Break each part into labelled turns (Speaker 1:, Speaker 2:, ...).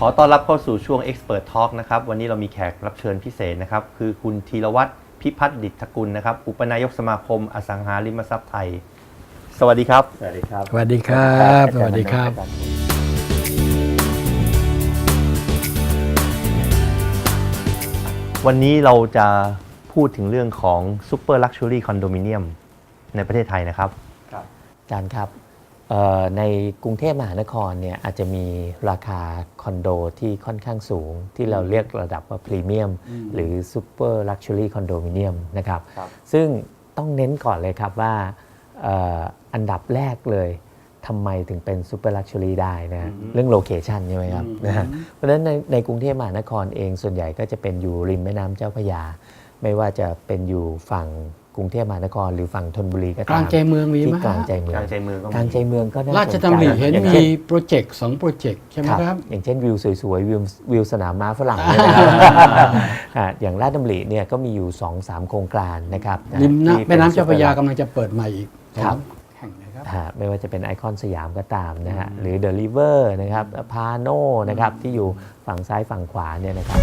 Speaker 1: อต้อนรับเข้าสู่ช่วง Expert Talk นะครับวันนี้เรามีแขกรับเชิญพิเศษนะครับคือคุณธีรวัฒน์พิพัฒน์ดิษฐกุลนะครับอุปนายกสมาคมอสังหาริมทรัพย์ไทยสวัสดีครับสวัสดีครับ
Speaker 2: สวัสดีครับสวัสดีครับ
Speaker 1: วันนี้เราจะพูดถึงเรื่องของ Super Luxury Condominium ในประเทศไทยนะครับ
Speaker 3: อาจารย์ครับในกรุงเทพมหานครเนี่ยอาจจะมีราคาคอนโดที่ค่อนข้างสูงที่เราเรียกระดับว่าพรีเมียมหรือซูเปอร์ลักชัวรี่คอนโดมิเนียมนะครับซึ่งต้องเน้นก่อนเลยครับว่าอันดับแรกเลยทำไมถึงเป็นซูเปอร์ลักชัวรี่ได้นะเรื่องโลเคชันใช่ไหมครับนะเพราะฉะนั้นในกรุงเทพมหานครเองส่วนใหญ่ก็จะเป็นอยู่ริมแม่น้ำเจ้าพระยาไม่ว่าจะเป็นอยู่ฝั่งกรุงเทพมหานครหรือฝั่งธนบุรีก็ตาม
Speaker 2: กลางใจเมืองมีไหม
Speaker 3: ที่กลางใจเมืองกลางใจเมืองก็น่าสนใจ
Speaker 2: ราชดำริเห็นมีโปรเจกต์2โปรเจกต์ใช่ไหมครับ
Speaker 3: อย่างเช่นวิวสวยๆวิวสนามม้าฝรั่งเนี่ยนะครับอย่างราชดำริเนี่ยก็มีอยู่ 2-3 โครงการนะครับ
Speaker 2: ริมแม่น้ำเจ้าพระยากำลังจะเปิดใหม่อีกแห่งนะครับ
Speaker 3: ไม่ว่าจะเป็นไอคอนสยามก็ตามนะฮะหรือเดอะริเวอร์นะครับพาโนนะครับที่อยู่ฝั่งซ้ายฝั่งขวาเนี่ยนะครับ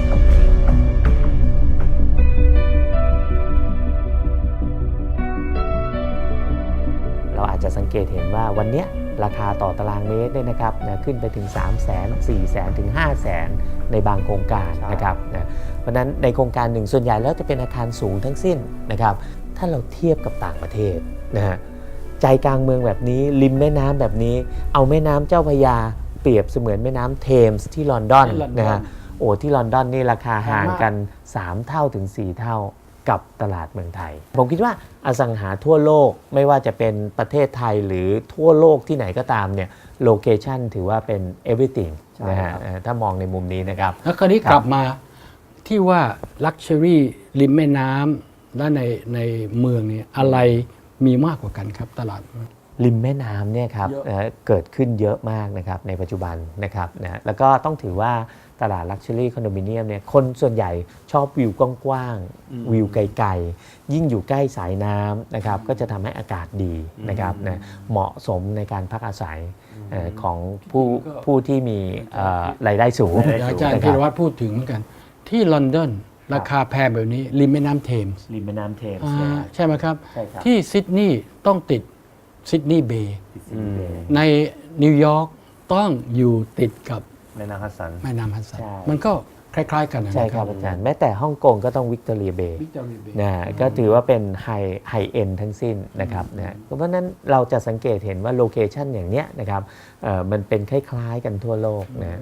Speaker 3: เราอาจจะสังเกตเห็นว่าวันนี้ราคาต่อตารางเมตรเนี่ยนะครับขึ้นไปถึง 300,000 400,000 ถึง 500,000 ในบางโครงการนะครับเพราะฉะนั้นในโครงการหนึ่งส่วนใหญ่แล้วจะเป็นอาคารสูงทั้งสิ้นนะครับถ้าเราเทียบกับต่างประเทศนะฮะใจกลางเมืองแบบนี้ริมแม่น้ำแบบนี้เอาแม่น้ำเจ้าพระยาเปรียบเสมือนแม่น้ำเทมส์ที่ลอนดอนนะฮะโอ้ที่ลอนดอนนี่ราคาห่างกัน3 เท่าถึง 4 เท่ากับตลาดเมืองไทยผมคิดว่าอสังหาทั่วโลกไม่ว่าจะเป็นประเทศไทยหรือทั่วโลกที่ไหนก็ตามเนี่ยโลเคชันถือว่าเป็น everything นะฮะถ้ามองในมุมนี้นะครับ
Speaker 2: แล้วคราวนี้กลับมาที่ว่า Luxury ริมแม่น้ำและในเมืองเนี่ยอะไรมีมากกว่ากันครับตลาด
Speaker 3: ริมแม่น้ำเนี่ยครับเกิดขึ้นเยอะมากนะครับในปัจจุบันนะครับนะแล้วก็ต้องถือว่าตลาด Luxury Condominium เนี่ยคนส่วนใหญ่ชอบวิวกว้างๆวิวไกลๆยิ่งอยู่ใกล้สายน้ำนะครับก็จะทำให้อากาศดีนะครับนะเหมาะสมในการพักอาศัยของผู้ที่มีรายได้สูง
Speaker 2: อาจารย์ธีรวัฒน์พูดถึงเหมือนกันที่ลอนดอนราคาแพงแบบนี้ริมแม่น้ำเทมส์
Speaker 3: ริมแม่น้ำเทมส์
Speaker 2: ใช่ไหมครับที่ซิดนีย์ต้องติดซิดนีย์เบย์ในนิวยอร์กต้องอยู่ติดกับ
Speaker 1: แม่น้ำฮัดสัน
Speaker 2: มันก็คล้ายๆกัน
Speaker 3: ใช่ครับอาจารย์แม้แต่ฮ่องกงก็ต้องวิกตอเรียเบย์นะก็ถือว่าเป็นไฮเอ็นทั้งสิ้นนะครับนะเพราะฉะนั้นเราจะสังเกตเห็นว่าโลเคชันอย่างเนี้ยนะครับมันเป็นคล้ายๆกันทั่วโลกนะ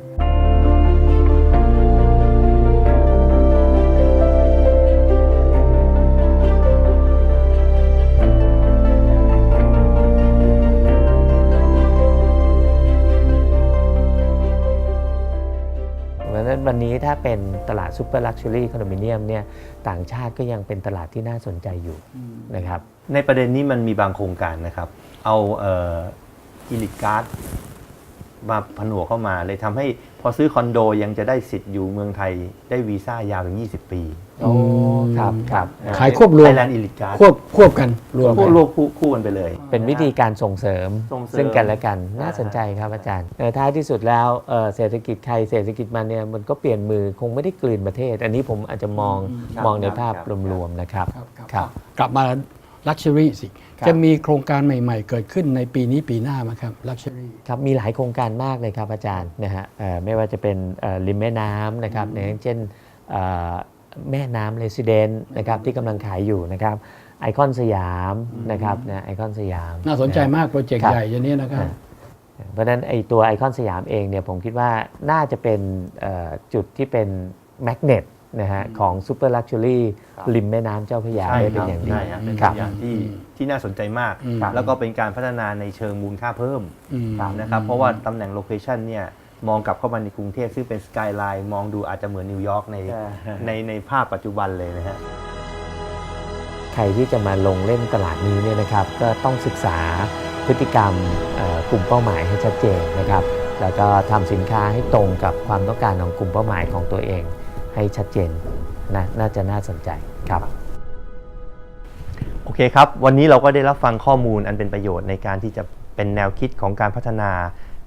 Speaker 3: วันนี้ถ้าเป็นตลาดซูเปอร์ลักชัวรี่คอนโดมิเนียมเนี่ยต่างชาติก็ยังเป็นตลาดที่น่าสนใจอยู่นะครับ
Speaker 1: ในประเด็นนี้มันมีบางโครงการนะครับเอาอิลิทการ์ดมาผนวกเข้ามาเลยทำให้พอซื้อคอนโดยังจะได้สิทธิ์อยู่เมืองไทยได้วีซ่ายาวถึง20 ปี
Speaker 3: โอ้ครับ
Speaker 2: ขายควบรวม
Speaker 1: Thailand Elite Card
Speaker 2: ควบกันรวม
Speaker 1: คู่กันไปเลย
Speaker 3: เป็นวิธีการส่งเสริมซึ่งกันและกันน่าสนใจครับอาจารย์ท้ายที่สุดแล้วเศรษฐกิจใครเศรษฐกิจมันเนี่ยมันก็เปลี่ยนมือคงไม่ได้กลืนประเทศอันนี้ผมอาจจะมองในภาพรวมๆนะครับ
Speaker 2: กลับมาLuxury สิจะมีโครงการใหม่ๆเกิดขึ้นในปีนี้ปีหน้าไหมครับ Luxury
Speaker 3: ครับมีหลายโครงการมากเลยครับอาจารย์นะฮะไม่ว่าจะเป็นริมแม่น้ำนะครับอย่างเช่นแม่น้ำเรซิเดนต์นะครับที่กำลังขายอยู่นะครับไอคอนสยามนะครับนะไอคอนสยาม
Speaker 2: น่าสนใจมากโปรเจกต์ใหญ่อย่างนี้นะครับ
Speaker 3: เพราะฉะนั้นไอตัวไอคอนสยามเองเนี่ยผมคิดว่าน่าจะเป็นจุดที่เป็นแมกเนตนะฮะของซูเปอร์ลักชัวรี่ริมแม่น้ำเจ้าพระยาได้เป็นอย่างดี
Speaker 1: เป็นอย่างที่น่าสนใจมากแล้วก็เป็นการพัฒนาในเชิงมูลค่าเพิ่มนะครับเพราะว่าตำแหน่งโลเคชันเนี่ยมองกลับเข้ามาในกรุงเทพซึ่งเป็นสกายไลน์มองดูอาจจะเหมือนนิวยอร์กในภาพปัจจุบันเลยนะฮะ
Speaker 3: ใครที่จะมาลงเล่นตลาดนี้เนี่ยนะครับก็ต้องศึกษาพฤติกรรมกลุ่มเป้าหมายให้ชัดเจนนะครับแล้วก็ทำสินค้าให้ตรงกับความต้องการของกลุ่มเป้าหมายของตัวเองให้ชัดเจนนะน่าจะน่าสนใจครับ
Speaker 1: โอเคครับวันนี้เราก็ได้รับฟังข้อมูลอันเป็นประโยชน์ในการที่จะเป็นแนวคิดของการพัฒนา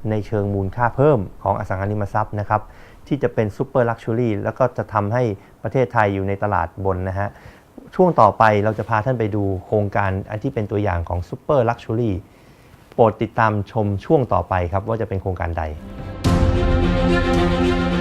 Speaker 1: ในเชิงมูลค่าเพิ่มของอสังหาริมทรัพย์นะครับที่จะเป็นซูเปอร์ลักชัวรี่แล้วก็จะทำให้ประเทศไทยอยู่ในตลาดบนนะฮะช่วงต่อไปเราจะพาท่านไปดูโครงการอันที่เป็นตัวอย่างของซูเปอร์ลักชัวรี่โปรดติดตามชมช่วงต่อไปครับว่าจะเป็นโครงการใด